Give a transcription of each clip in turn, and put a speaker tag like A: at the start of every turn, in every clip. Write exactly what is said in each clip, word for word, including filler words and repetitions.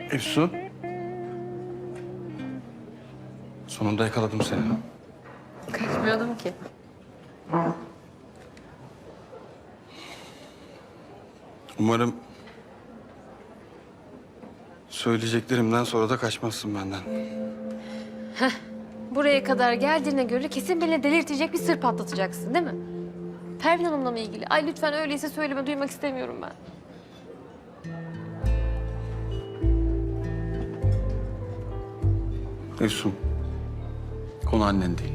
A: Efsun. Sonunda yakaladım seni.
B: Kaçmıyordum ki.
A: Umarım söyleyeceklerimden sonra da kaçmazsın benden.
B: Buraya kadar geldiğine göre kesin beni delirtecek bir sır patlatacaksın değil mi? Pervin Hanım'la mı ilgili? Ay lütfen öyleyse söyleme, duymak istemiyorum ben.
A: Efsun, konu annen değil.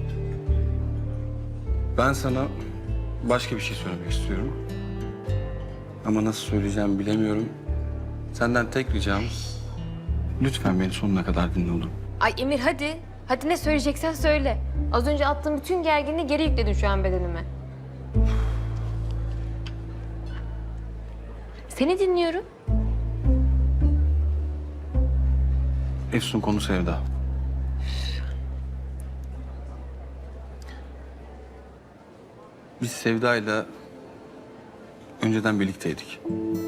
A: Ben sana başka bir şey söylemek istiyorum. Ama nasıl söyleyeceğimi bilemiyorum. Senden tek ricam, lütfen beni sonuna kadar dinle olur mu?
B: Ay Emir hadi. Hadi ne söyleyeceksen söyle. Az önce attığım bütün gerginliği geri yükledin şu an bedenime. Seni dinliyorum.
A: Efsun, konu Sevda. Biz Sevda'yla önceden birlikteydik.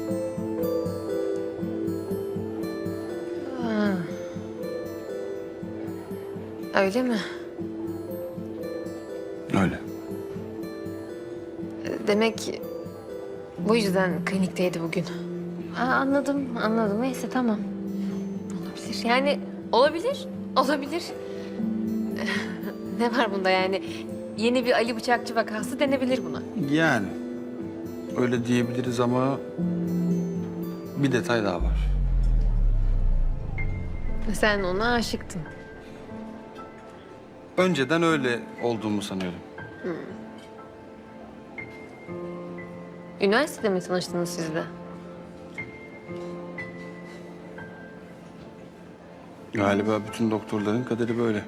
B: Öyle mi?
A: Öyle.
B: Demek bu yüzden klinikteydi bugün. Aa, anladım, anladım. Neyse tamam. Olabilir. Yani olabilir, olabilir. Ne var bunda yani? Yeni bir Ali Bıçakçı vakası denebilir buna.
A: Yani öyle diyebiliriz ama bir detay daha var.
B: Sen ona aşıktın.
A: Önceden öyle olduğumu sanıyordum.
B: Üniversitede mi tanıştınız siz de?
A: Galiba bütün doktorların kaderi böyle.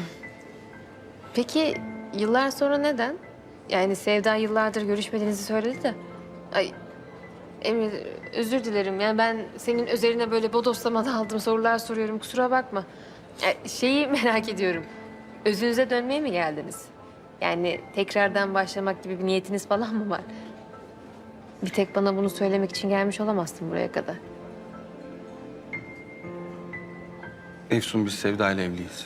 B: Peki yıllar sonra neden? Yani Sevda yıllardır görüşmediğinizi söyledi de. Ay Emir özür dilerim. Yani ben senin üzerine böyle bodoslama daldım, sorular soruyorum. Kusura bakma. Ya, şeyi merak ediyorum. Özünüze dönmeye mi geldiniz? Yani tekrardan başlamak gibi bir niyetiniz falan mı var? Bir tek bana bunu söylemek için gelmiş olamazsın buraya kadar.
A: Efsun, biz Sevda ile evliyiz.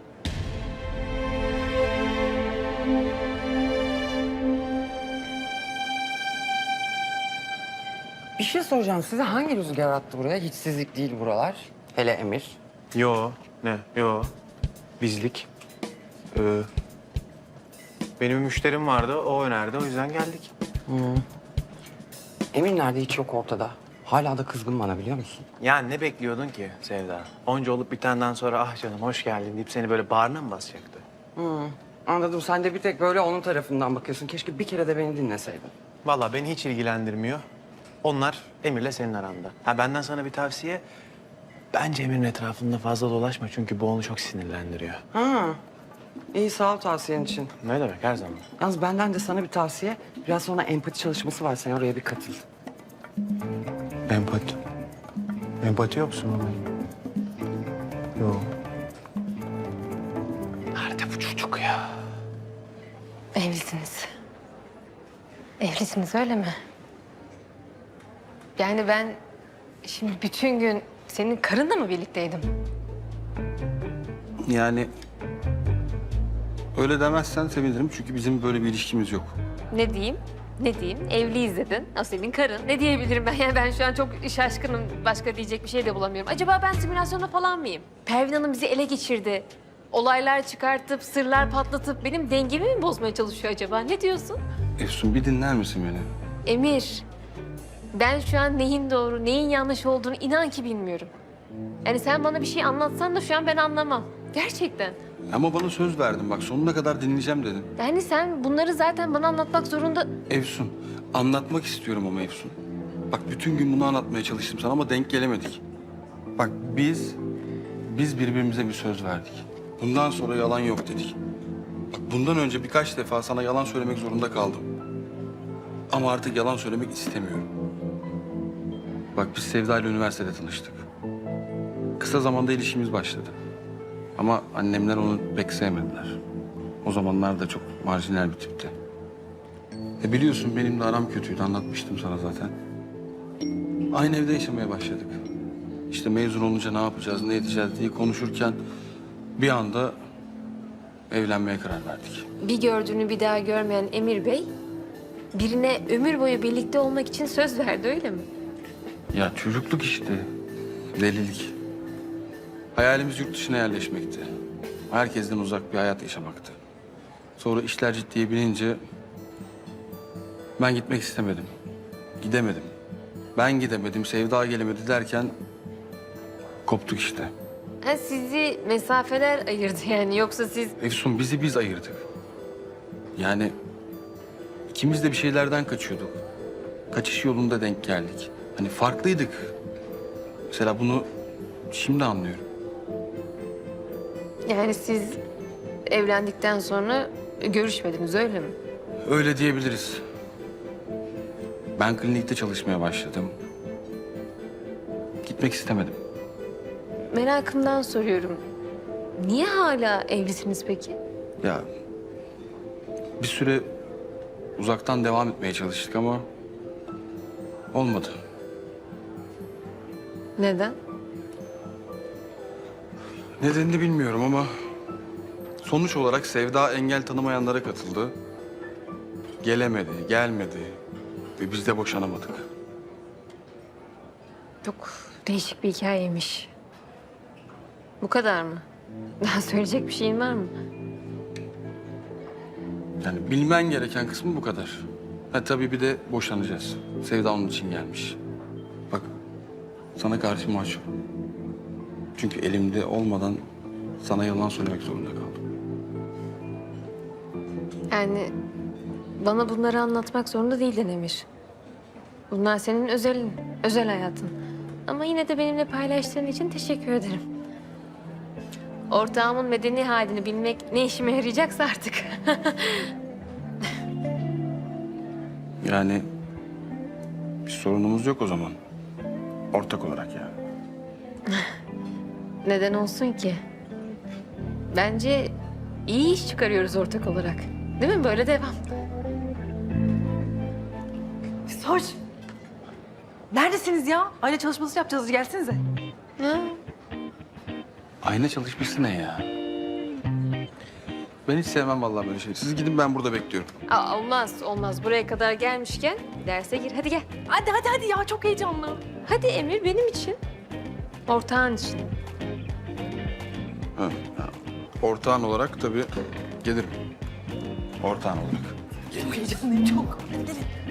C: Bir şey soracağım size. Hangi rüzgar attı buraya? Hiçsizlik değil buralar. Hele Emir.
D: Yo, ne? Yo. Bizlik. Ee, benim bir müşterim vardı, o önerdi. O yüzden geldik.
C: Emir nerede? Hiç yok ortada. Hala da kızgın bana, biliyor musun?
D: Ya ne bekliyordun ki Sevda? Onca olup bitenden sonra ah canım hoş geldin deyip seni böyle bağrına mı basacaktı?
C: Anladım. Sen de bir tek böyle onun tarafından bakıyorsun. Keşke bir kere de beni dinleseydin.
D: Vallahi beni hiç ilgilendirmiyor. Onlar Emir'le senin aranda. Ha benden sana bir tavsiye. Bence Emir'in etrafında fazla dolaşma çünkü bu onu çok sinirlendiriyor.
C: Ha. İyi, sağ ol tavsiyen için.
D: Ne demek her zaman.
C: Yalnız benden de sana bir tavsiye. Biraz sonra empati çalışması var. Sen oraya bir katıl.
D: Empati. Empati yoksun ama. Yok. Nerede bu çocuk ya?
B: Evlisiniz. Evlisiniz öyle mi? Yani ben şimdi bütün gün senin karınla mı birlikteydim?
A: Yani öyle demezsen sevinirim çünkü bizim böyle bir ilişkimiz yok.
B: Ne diyeyim? Ne diyeyim? Evliyiz dedin. O senin karın. Ne diyebilirim ben? Yani ben şu an çok şaşkınım. Başka diyecek bir şey de bulamıyorum. Acaba ben simülasyonda falan mıyım? Pervin Hanım bizi ele geçirdi. Olaylar çıkartıp, sırlar patlatıp benim dengemi mi bozmaya çalışıyor acaba? Ne diyorsun?
A: Efsun, bir dinler misin beni?
B: Emir, ben şu an neyin doğru, neyin yanlış olduğunu inan ki bilmiyorum. Yani sen bana bir şey anlatsan da şu an ben anlamam. Gerçekten.
A: Ama bana söz verdin, bak sonuna kadar dinleyeceğim dedin.
B: Yani sen bunları zaten bana anlatmak zorunda...
A: Efsun, anlatmak istiyorum ama Efsun. Bak bütün gün bunu anlatmaya çalıştım sana ama denk gelemedik. Bak biz, biz birbirimize bir söz verdik. Bundan sonra yalan yok dedik. Bak bundan önce birkaç defa sana yalan söylemek zorunda kaldım. Ama artık yalan söylemek istemiyorum. Bak biz Sevda ile üniversitede tanıştık. Kısa zamanda ilişkimiz başladı. Ama annemler onu pek sevmediler. O zamanlar da çok marjinal bir tipti. E biliyorsun benim de aram kötüydü, anlatmıştım sana zaten. Aynı evde yaşamaya başladık. işte mezun olunca ne yapacağız, ne edeceğiz diye konuşurken bir anda evlenmeye karar verdik.
B: Bir gördüğünü bir daha görmeyen Emir Bey birine ömür boyu birlikte olmak için söz verdi, öyle mi?
A: Ya çocukluk işte, delilik. Hayalimiz yurt dışına yerleşmekti. Herkesten uzak bir hayat yaşamaktı. Sonra işler ciddiye binince ben gitmek istemedim. Gidemedim. Ben gidemedim, Sevda gelemedi derken koptuk işte.
B: Ha, sizi mesafeler ayırdı yani, yoksa siz...
A: Efsun, bizi biz ayırdık. Yani ikimiz de bir şeylerden kaçıyorduk. Kaçış yolunda denk geldik. Hani farklıydık. Mesela bunu şimdi anlıyorum.
B: Yani siz evlendikten sonra görüşmediniz, öyle mi?
A: Öyle diyebiliriz. Ben klinikte çalışmaya başladım. Gitmek istemedim.
B: Merakımdan soruyorum. Niye hala evlisiniz peki?
A: Ya bir süre uzaktan devam etmeye çalıştık ama olmadı.
B: Neden?
A: Nedenini bilmiyorum ama sonuç olarak Sevda engel tanımayanlara katıldı. Gelemedi, gelmedi ve biz de boşanamadık.
B: Çok değişik bir hikayeymiş. Bu kadar mı? Daha söyleyecek bir şeyin var mı?
A: Yani bilmen gereken kısmı bu kadar. Ha tabii bir de boşanacağız. Sevda onun için gelmiş. Bak sana karşı mahcup. Çünkü elimde olmadan sana yalan söylemek zorunda kaldım.
B: Yani bana bunları anlatmak zorunda değildin Emir. Bunlar senin özelin, özel hayatın. Ama yine de benimle paylaştığın için teşekkür ederim. Ortağımın medeni halini bilmek ne işime yarayacaksa artık.
A: Yani bir sorunumuz yok o zaman. Ortak olarak yani.
B: Neden olsun ki? Bence iyi iş çıkarıyoruz ortak olarak. Değil mi? Böyle devam.
E: Soç. Neredesiniz ya? Aile çalışması yapacağız. Gelsenize.
B: Ha?
A: Ayna çalışması ne ya? Ben hiç sevmem vallahi böyle şey. Siz gidin, ben burada bekliyorum.
B: Aa, olmaz, olmaz. Buraya kadar gelmişken derse gir. Hadi gel.
E: Hadi hadi hadi ya. Çok heyecanlı.
B: Hadi Emir, benim için. Ortağın için.
A: Ha, ha. Ortağın olarak tabii gelirim. Ortağın olarak.
E: Çok heyecanlıyım çok. Hadi gelin.